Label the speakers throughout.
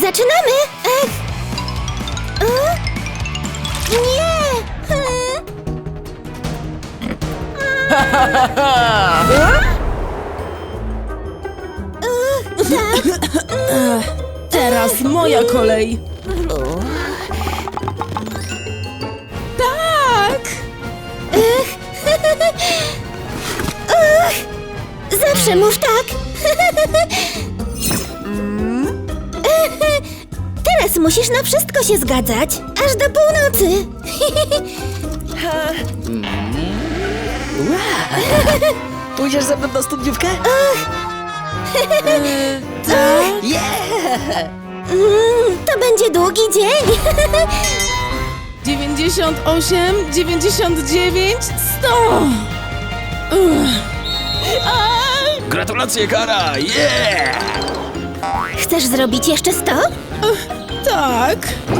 Speaker 1: zaczynamy! Ech! Nie!
Speaker 2: Teraz moja kolej. Tak!
Speaker 1: Zawsze mów tak! Teraz musisz na wszystko się zgadzać, aż do północy.
Speaker 3: Pójdziesz ze mną na studniówkę?
Speaker 2: Tak?
Speaker 1: To będzie długi dzień.
Speaker 2: 98, 99, 100!
Speaker 4: Gratulacje, Kara! Yeah!
Speaker 1: Chcesz zrobić jeszcze 100?
Speaker 2: Tak.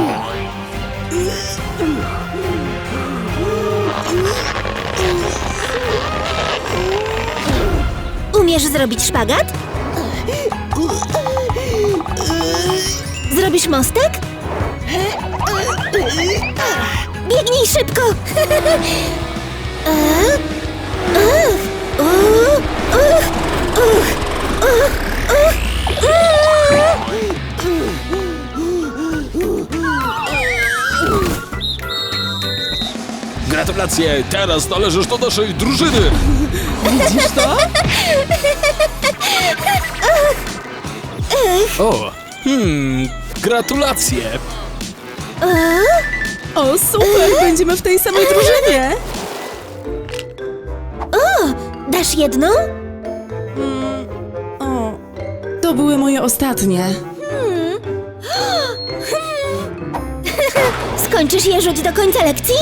Speaker 1: Umiesz zrobić szpagat? Zrobisz mostek? Biegnij szybko!
Speaker 4: Gratulacje! Teraz należysz do naszej drużyny!
Speaker 2: Widzisz to?
Speaker 4: O! Gratulacje!
Speaker 2: O, super! Będziemy w tej samej drużynie!
Speaker 1: Dasz jedną?
Speaker 2: O, to były moje ostatnie.
Speaker 1: Skończysz je rzuć do końca lekcji?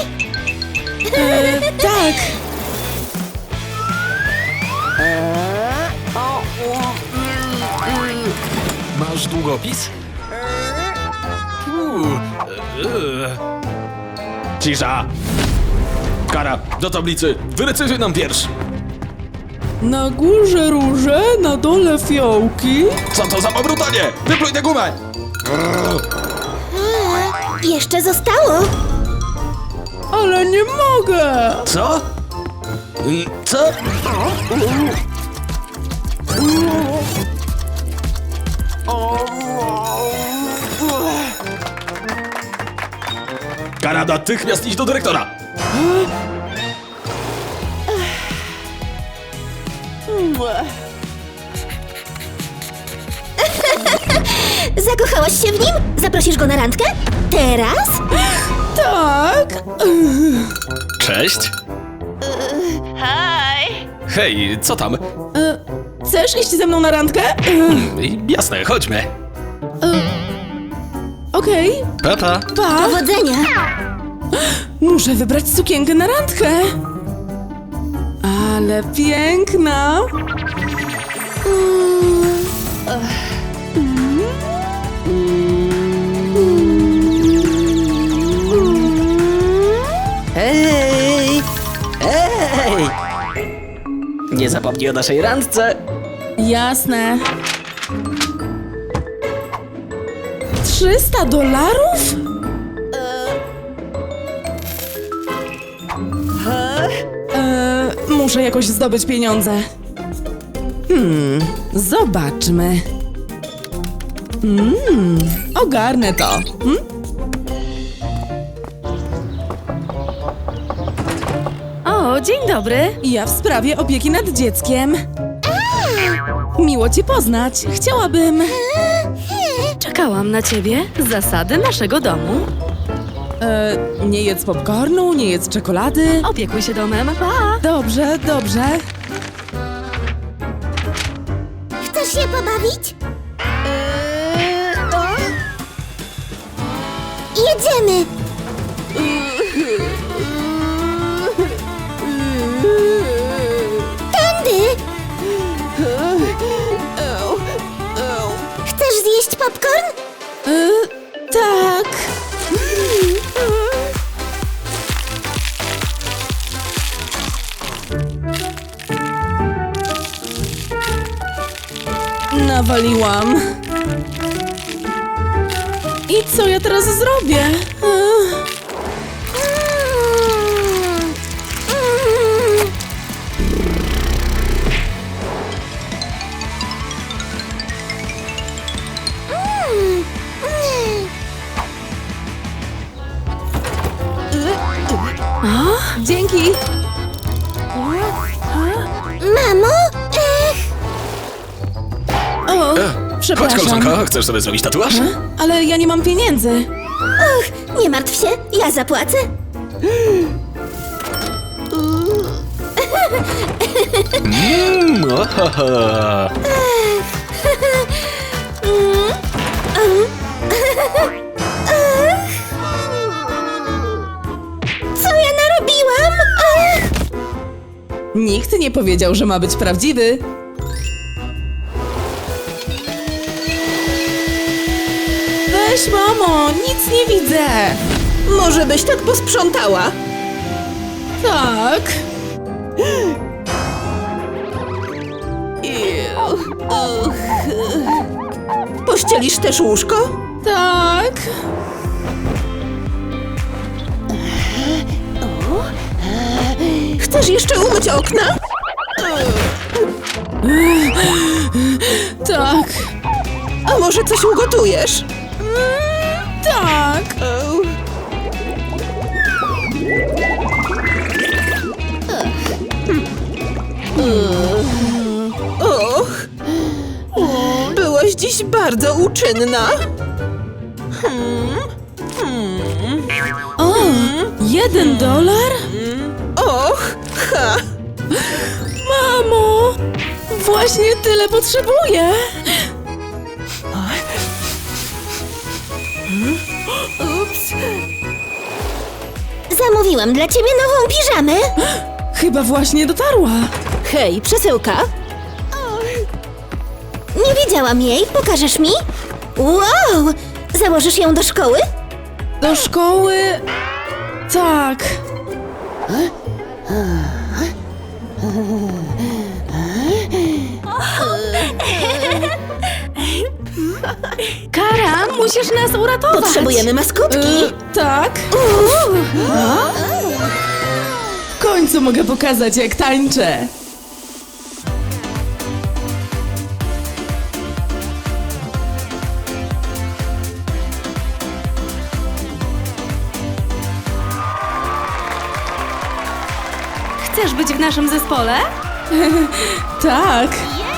Speaker 2: Tak!
Speaker 4: Masz długopis? Cisza! Kara, do tablicy! Wyrecytuj nam wiersz!
Speaker 2: Na górze róże, na dole fiołki.
Speaker 4: Co to za pobrutanie? Wypluj tę gumę!
Speaker 1: Jeszcze zostało.
Speaker 2: Ale nie mogę!
Speaker 4: Co? Co? Kara, natychmiast idź do dyrektora!
Speaker 1: Zakochałaś się w nim? Zaprosisz go na randkę? Teraz?
Speaker 2: Tak!
Speaker 4: Cześć! Hej, co tam?
Speaker 2: Chcesz iść ze mną na randkę?
Speaker 4: Jasne, chodźmy.
Speaker 2: Okej.
Speaker 4: Papa.
Speaker 2: Pa!
Speaker 1: Powodzenia!
Speaker 2: Muszę wybrać sukienkę na randkę. Ale piękna!
Speaker 3: Hej! Hej! Nie zapomnij o naszej randce.
Speaker 2: Jasne. $300? Muszę jakoś zdobyć pieniądze. Zobaczmy. Ogarnę to.
Speaker 5: O, dzień dobry.
Speaker 2: Ja w sprawie opieki nad dzieckiem. Miło cię poznać. Chciałabym...
Speaker 5: Czekałam na ciebie. Zasady naszego domu.
Speaker 2: Nie jedz popcornu, nie jedz czekolady.
Speaker 5: Opiekuj się domem. Pa!
Speaker 2: Dobrze, dobrze.
Speaker 1: Chcesz się pobawić? Jedziemy! Tędy! Chcesz zjeść popcorn?
Speaker 2: Tak. Nawaliłam. I co ja teraz zrobię? Dzięki.
Speaker 1: Mamo?
Speaker 2: O,
Speaker 4: Chodź,
Speaker 2: przepraszam.
Speaker 4: koleżanko, chcesz sobie zrobić tatuaż?
Speaker 2: Ale ja nie mam pieniędzy.
Speaker 1: Och, nie martw się, ja zapłacę.
Speaker 4: Ohoho.
Speaker 1: Co ja narobiłam? Ach,
Speaker 2: Nikt nie powiedział, że ma być prawdziwy. Weź, mamo, nic nie widzę.
Speaker 6: Może byś tak posprzątała?
Speaker 2: Tak.
Speaker 6: Pościelisz też łóżko?
Speaker 2: Tak.
Speaker 6: Chcesz jeszcze umyć okna?
Speaker 2: Tak.
Speaker 6: A może coś ugotujesz?
Speaker 2: Tak.
Speaker 6: Och, byłaś dziś bardzo uczynna.
Speaker 2: O, $1?
Speaker 6: Och, ha!
Speaker 2: Mamo, właśnie tyle potrzebuję.
Speaker 1: zamówiłam dla ciebie nową piżamę.
Speaker 2: Chyba właśnie dotarła.
Speaker 6: Hej, przesyłka?
Speaker 1: Nie widziałam jej, pokażesz mi? Wow! Założysz ją do szkoły?
Speaker 2: Do szkoły? Tak. Kara, musisz nas uratować.
Speaker 6: Potrzebujemy maskotki.
Speaker 2: Tak. W końcu mogę pokazać, jak tańczę.
Speaker 5: Chcesz być w naszym zespole?
Speaker 2: Tak.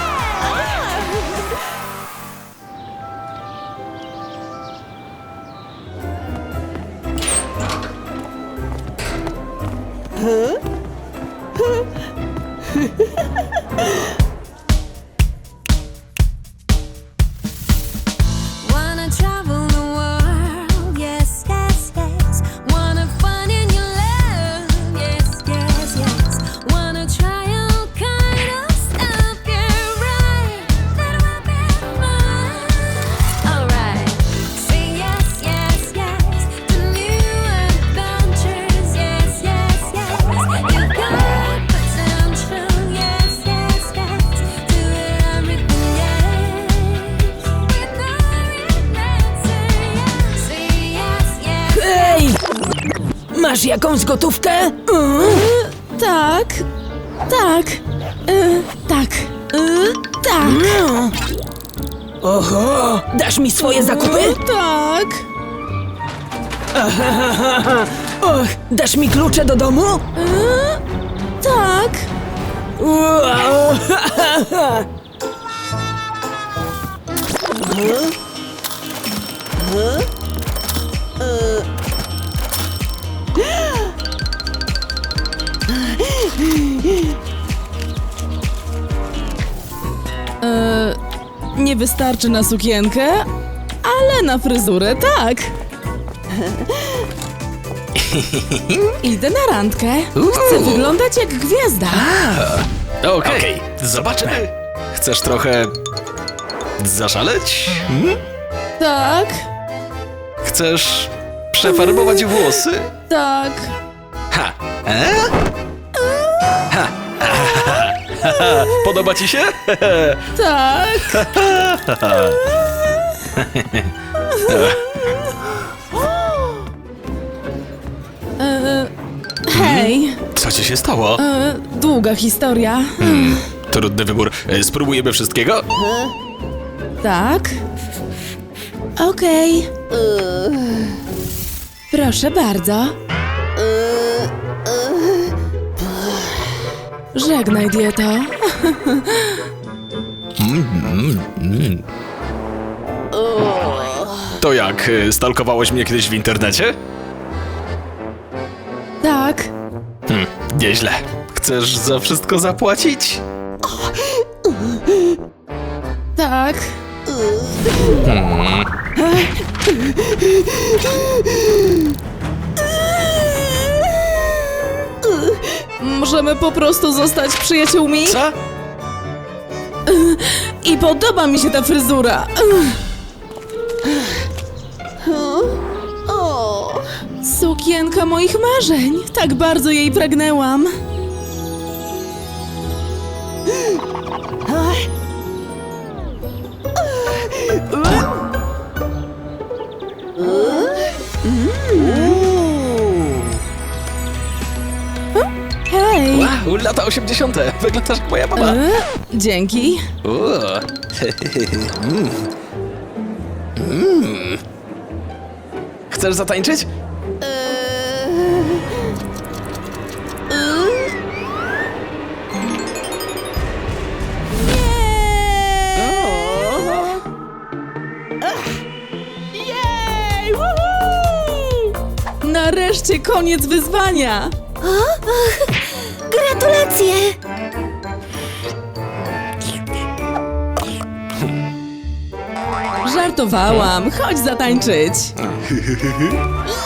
Speaker 7: Wanna travel the world, yes, yes, yes. Wanna find in your love, yes, yes, yes. Wanna try all kind of stuff, yeah, right. That will be mine. Alright, say yes, yes, yes to new adventures, yes, yes, yes. You got potential, yes, yes, yes. Do everything, yes. With no regrets, say yes, yes.
Speaker 6: Hej! Masz jakąś gotówkę?
Speaker 2: Tak. Tak. Tak. Tak.
Speaker 6: Oho! Dasz mi swoje zakupy?
Speaker 2: Tak.
Speaker 6: Och, dasz mi klucze do domu?
Speaker 2: Tak.
Speaker 6: Wow.
Speaker 2: Nie wystarczy na sukienkę, ale na fryzurę tak. Idę na randkę. Chcę wyglądać jak gwiazda.
Speaker 4: Okej, zobaczmy. Chcesz trochę zaszaleć?
Speaker 2: Tak.
Speaker 4: Chcesz przefarbować włosy?
Speaker 2: Tak.
Speaker 4: Ha! Ha! Podoba ci się?
Speaker 2: Tak.
Speaker 4: Co ci się stało?
Speaker 2: Długa historia.
Speaker 4: Trudny wybór. Spróbujemy wszystkiego?
Speaker 2: Tak? Okej. Proszę bardzo. Żegnaj, dieto.
Speaker 4: To jak, stalkowałeś mnie kiedyś w internecie?
Speaker 2: Tak.
Speaker 4: Nieźle. Chcesz za wszystko zapłacić?
Speaker 2: Tak. Możemy po prostu zostać przyjaciółmi?
Speaker 4: Co?
Speaker 2: I podoba mi się ta fryzura. Sukienka moich marzeń. Tak bardzo jej pragnęłam. Hej.
Speaker 4: Wow, lata 80. Wyglądasz jak moja mama.
Speaker 2: Dzięki.
Speaker 4: Chcesz zatańczyć?
Speaker 2: Nareszcie koniec wyzwania.
Speaker 1: Gratulacje!
Speaker 2: Żartowałam. Chodź zatańczyć.